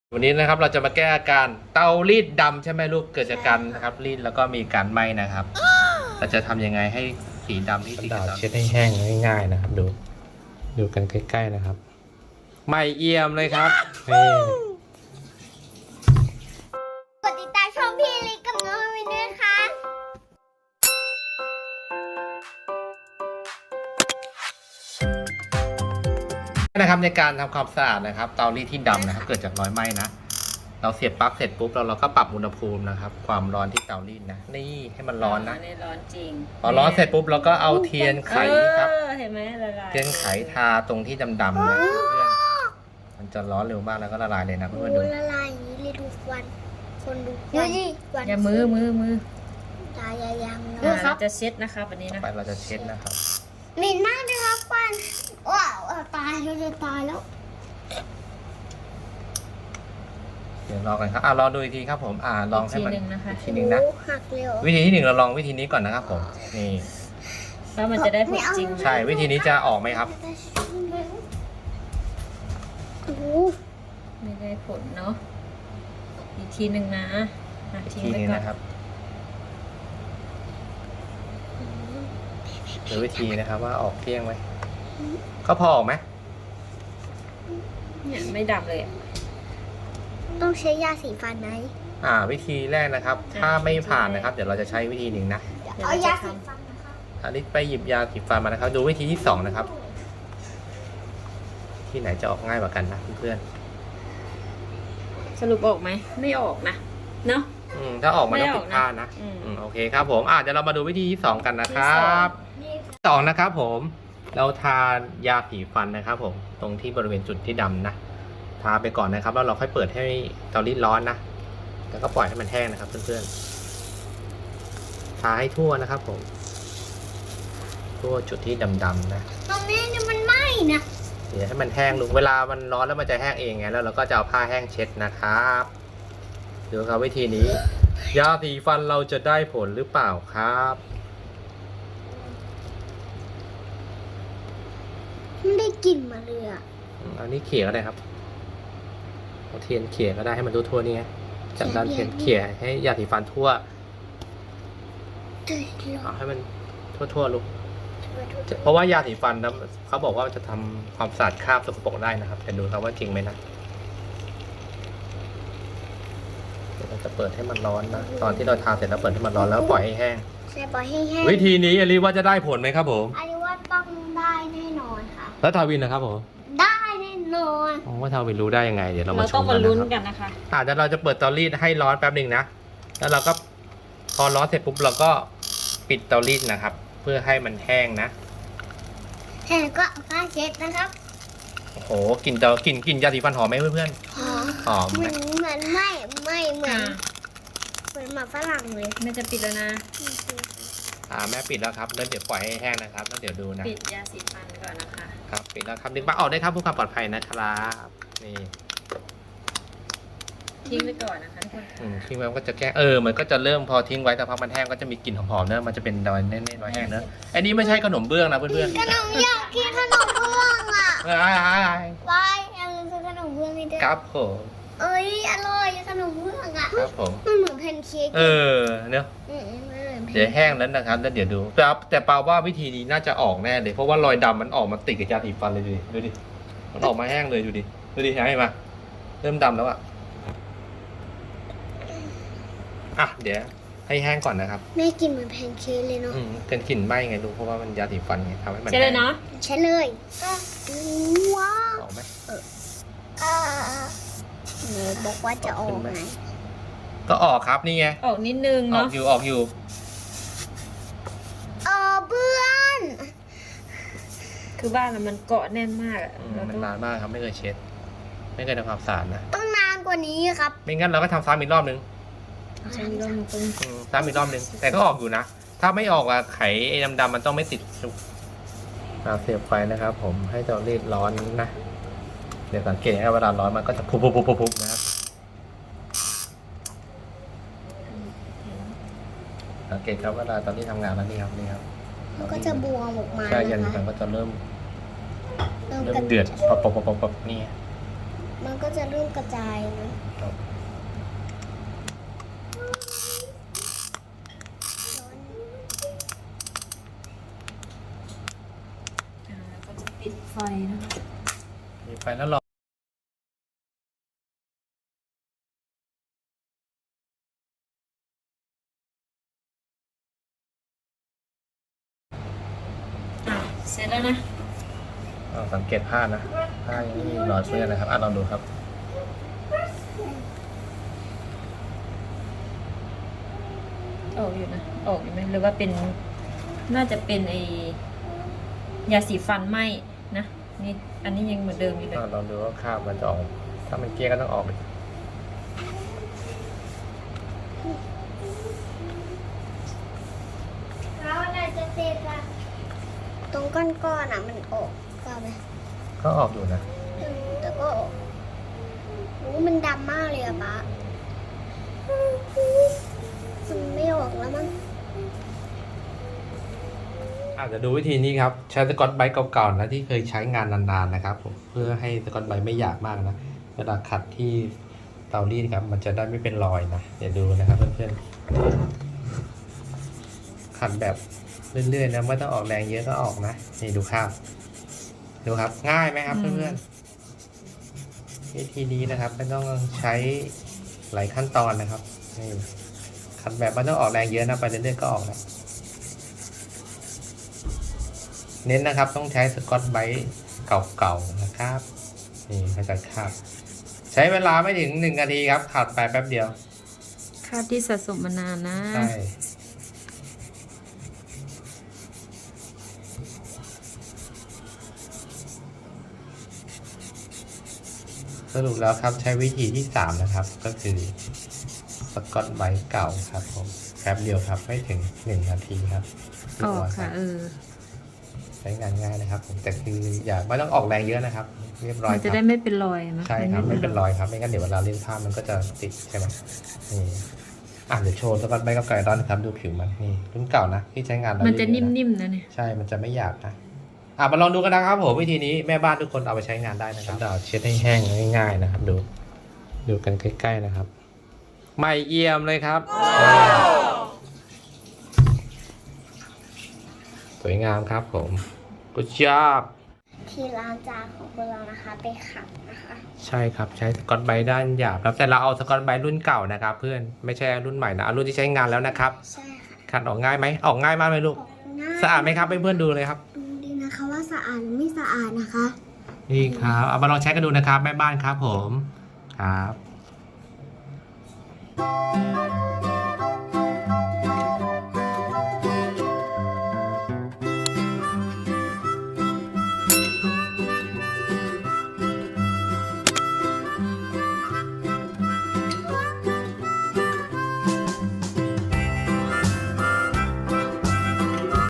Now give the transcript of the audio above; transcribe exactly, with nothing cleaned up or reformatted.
วันนี้นะครับเราจะมาแก้อาการเตารีดดำใช่ไหมลูกเกิดจากการนะครับรีดแล้วก็มีการไหม้นะครับเราจะทำยังไงให้สีดำที่ติดกับเช็ดให้แห้งง่ายๆนะครับดูดูกันใกล้ๆนะครับไหม้เอี่ยมเลยครับนี่กดติดตามช่องพี่ลิกกับน้องวินด้วยค่ะนะครับในการทำความสะอาดนะครับเตารีดที่ดำนะครับเกิดจากรอยไหม้นะเราเสียบปลั๊กเสร็จปุ๊บเราเราก็ปรับอุณหภูมินะครับความร้อนที่เตารีดนะนี่ให้มันร้อนนะนี่ร้อนจริงพอร้อนเสร็จปุ๊บเราก็เอาเทียนไขครับเห็นไหมละลายเทียนไขทาตรงที่ดำๆนะเพื่อนมันจะร้อนเร็วมากแล้วก็ละลายเลยนะเพื่อนดูละลายอย่างนี้เลยดูควันคนดูควันอย่ามือมือมือตายายังเราจะเช็ดนะครับวันนี้นะไปเราจะเช็ดนะครับเหม็นมากเลยครับควันว้าวตายเราจะตายแล้วเดี๋ยวรอกันครับอ่ารอดูอีกทีครับผมอ่าลองให้มันอีกทีหนึ่งนะหักเร็ววิธีที่หนึ่งเราลองวิธีนี้ก่อนนะครับผมนี่แล้วมันจะได้ผลจริงใช่วิธีนี้จะออกไหมครับไม่ได้ผลเนาะอีกทีหนึ่งนะอีกทีนึงนะครับหรือวิธีนะครับว่าออกเที่ยงไหมก็พอออกไหมเนี่ยไม่ดำเลยต้องใช้ยาสีฟันไหมอ่าวิธีแรกนะครับถ้าไม่ผ่านนะครับเดี๋ยวเราจะใช้วิธีหนึ่งนะเอายาสีฟันนะคะอันนี้ไปหยิบยาสีฟันมานะครับดูวิธีที่สองนะครับที่ไหนจะออกง่ายกว่ากันนะเพื่อนสรุปออกไหมไม่ออกนะเนาะอืมถ้าออกมาต้องผิดพลาดนะอืมโอเคครับผมอ่าเดี๋ยวเรามาดูวิธีที่สองกันนะครับสองนะครับผมเราทายาสีฟันนะครับผมตรงที่บริเวณจุดที่ดำนะทาไปก่อนนะครับแล้วเราค่อยเปิดให้เตารีดร้อนนะแล้วก็ปล่อยให้มันแห้งนะครับเพื่อนๆทาให้ทั่วนะครับผมทั่วจุดที่ดำๆนะตรงนี้เนี่ยมันไหม้นะเดี๋ยวให้มันแห้งลงเวลามันร้อนแล้วมันจะแห้งเองไงแล้วเราก็จะเอาผ้าแห้งเช็ดนะครับดูครับวิธีนี้ยาสีฟันเราจะได้ผลหรือเปล่าครับไม่ได้กลิ่นมาเลยอ่ะอันนี้เขี่ยก็ได้ครับเอาเทียนเขี่ยก็ได้ให้มันทั่วๆนี่ไงจับด้านเทียนเขี่ยให้ยาสีฟันทั่วเอาให้มันทั่วๆลูกเพราะว่ายาสีฟันนะเขาบอกว่าจะทำความสะอาดคราบสกปรกได้นะครับแต่ดูครับว่าจริงไหมนะเดี๋ยวเราจะเปิดให้มันร้อนนะตอนที่เราทาเสร็จแล้วเปิดให้มันร้อนแล้วปล่อยให้แห้งใช่ปล่อยให้แห้งวิธีนี้อลิว่าจะได้ผลไหมครับผมอลิว่าต้องได้แน่นอนค่ะแล้วทาวินนะครับผมได้แน่นอนอ๋อว่าทาวินรู้ได้ยังไงเดี๋ยวเรามาชมกันนะครับเราต้องมาลุ้นกันนะคะอ่าเดี๋ยวเราจะเปิดเตารีดให้ร้อนแป๊บหนึ่งนะแล้วเราก็พอร้อนเสร็จปุ๊บเราก็ปิดเตารีดนะครับเพื่อให้มันแห้งนะแห้งก็เอาผ้าเช็ดนะครับโอ้โหกลิ่นเตากลิ่นกลิ่นยาสีฟันหอมไหมเพื่อนๆหอมหอมเหมือนเหมือนไม่ไม่เหมือนเหมือนหมาฝรั่งเลยแม่จะปิดแล้วนะอ่าแม่ปิดแล้วครับแล้วเดี๋ยวปล่อยให้แห้งนะครับแล้วเดี๋ยวดูนะปิดยาสีฟันก่อนนะคะครับปิดแล้วครับดึงปลั๊กออกได้ครับเพื่อความปลอดภัยนะครับนี่ทิ้งไว้ก่อนนะคะทุกคนอืมทิ้งไว้มันก็จะแก้เออมันก็จะเริ่มพอทิ้งไว้แต่พอมันแห้งก็จะมีกลิ่นหอมๆเนอะมันจะเป็นดอยแน่ๆดอยแห้งเนอะอันนี้ไม่ใช่ขนมเบื้องนะเพื่อนๆขนมอยากกินขนมเบื้องอ่ะไอ้ไอ้ไปยังซื้อขนมเบื้องนี่ด้วยครับผมเอ้ยอร่อยขนมเบื้องอ่ะครับผมมันเหมือนแพนเค้กเออเนอะเดี๋ยวแห้งแล้วนะครับแล้วเดี๋ยวดูแต่แต่ปาว่าวิธีนี้น่าจะออกแน่เลยเพราะว่ารอยดำมันออกมาติดกับยาสีฟันเลยดูดิดูดิมันออกมาแห้งเลยดูดิดูดิเห็นไหมเริ่มดำแล้วอ่ะอ่ะเดี๋ยวให้แห้งก่อนนะครับแม่กินเหมือนแพนเค้กเลยเนาะอืมเป็นกลิ่นไหม้ไงลูกเพราะว่ามันยาสีฟันไงทำให้มันใช่เลยเนาะใช่เลยว้าวออกไหมเออเนบอกว่าจะออกไหมก็ออกครับนี่ไงออกนิดนึงเนาะออกอยู่ออกอยู่เออเพื่อนคือบ้านมันเกาะแน่นมากอ่ะมันนานมากครับไม่เคยเช็ดไม่เคยทำความสะอาดนะต้องนานกว่านี้ครับไม่งั้นเราก็ทำซ้ำอีกรอบนึงใช่รอบนึงซ้ำอีกรอบนึงแต่ก็ออกอยู่นะถ้าไม่ออกอะไข่ไอ้ดำๆมันต้องไม่ติดเราเสียบไฟนะครับผมให้เตารีดร้อนนะเดี๋ยวสังเกตให้เวลาร้อนมันก็จะพุบพุบพุบพุบนะครับสังเกตครับเวลาตอนที่ทำงานแล้วนี่ครับนี่ครับมันก็จะบวมออกมาใช่ยันมันก็จะเริ่มเริ่มเดือดปบปบปบปบนี่มันก็จะเริ่มกระจายนะอ่าแล้วก็จะปิดไฟนะคะมีไฟแล้วรออ่ะเสร็จแล้วนะอ่าสังเกตผ้านะผ้ายังไม่มีรอยเปื้อนนะครับอ่ะลองดูครับออกอยู่นะ ออกอยู่ไหมหรือว่าเป็น น่าจะเป็นไอยาสีฟันไหมนะ นี่ อันนี้ยังเหมือนเดิมอยู่เลยอ่ะลองดูว่าคราบมันจะออกถ้ามันเกลี้ยก็ต้องออกเลยแล้วอะไรจะเสร็จอะตรงก้อนๆอ่ะมันออกก็ไหมก็ออกอยู่นะอืมแต่ก็ออกโอ้มันดำมากเลยอะป๊ามันไม่ออกแล้วมั้งอาจจะดูวิธีนี้ครับใช้สกอตไบรท์เก่าๆนะที่เคยใช้งานนานๆนะครับผมเพื่อให้สกอตไบรท์ไม่หยาบมากนะเวลาขัดที่เตารีดครับมันจะได้ไม่เป็นรอยนะเดี๋ยวดูนะครับเพื่อนๆขัดแบบเรื่อยๆนะไม่ต้องออกแรงเยอะก็ออกนะนี่ดูครับดูครับง่ายไหมครับอืมเพื่อนๆวิธีนี้นะครับไม่ต้องใช้หลายขั้นตอนนะครับนี่ขัดแบบไม่ต้องออกแรงเยอะนะไปเรื่อยๆก็ออกนะเน้นนะครับต้องใช้สกอตไบรท์เก่าๆนะครับนี่เขาจะคาบใช้เวลาไม่ถึงหนึ่งนาทีครับขัดไปแป๊บเดียวคราบที่สะสมมานานนะใช่สรุปแล้วครับใช้วิธีที่สามนะครับก็คือสกอตไบรท์เก่าครับผมแป๊บเดียวครับไม่ถึงหนึ่งนาทีครับออกค่ะ เออใช้งานง่ายนะครับผมแต่คืออย่าไม่ต้องออกแรงเยอะนะครับเรียบร้อยมันคจะรับได้ไม่เป็นรอยนะใช่ครับไม่เป็นรอยครับไม่งั้นเดี๋ยวเวลาเล่นภาพมันก็จะติดใช่ไหมนี่อ่ะเดี๋ยวโชว์สกอตไบรท์กับไก่ดอนครับดูผิวมันนี่รุ่นเก่านะที่ใช้งานแล้วมันจะเยอๆนิ่มๆนะเนี่ยใช่มันจะไม่หยาบนะอ่ะมาลองดูกันนะครับผมวิธีนี้แม่บ้านทุกคนเอาไปใช้งานได้นะครับเดี๋ยวเช็ดให้แห้งง่ายๆนะครับ ดูดูกันใกล้ๆนะครับไม่เอี่ยมเลยครับสวยงามครับผมกุชอบที่ล้างจานของพวกเรานะคะไปขัดนะคะใช่ครับใช้สกอตไบรท์ด้านหยาบครับแต่เราเอาสกอตไบรท์รุ่นเก่านะครับ เพื่อนไม่ใช่รุ่นใหม่นะเอารุ่นที่ใช้งานแล้วนะครับใช่ค่ะขัดออกง่ายไหมออกง่ายมากเลยลูกออกง่ายสะอาดไหมครับเพื่อนๆดูเลยครับดูดีนะคะว่าสะอาดหรือไม่สะอาดนะคะนี่ครับเอามาลองใช้กันดูนะครับแม่บ้านครับผมครับ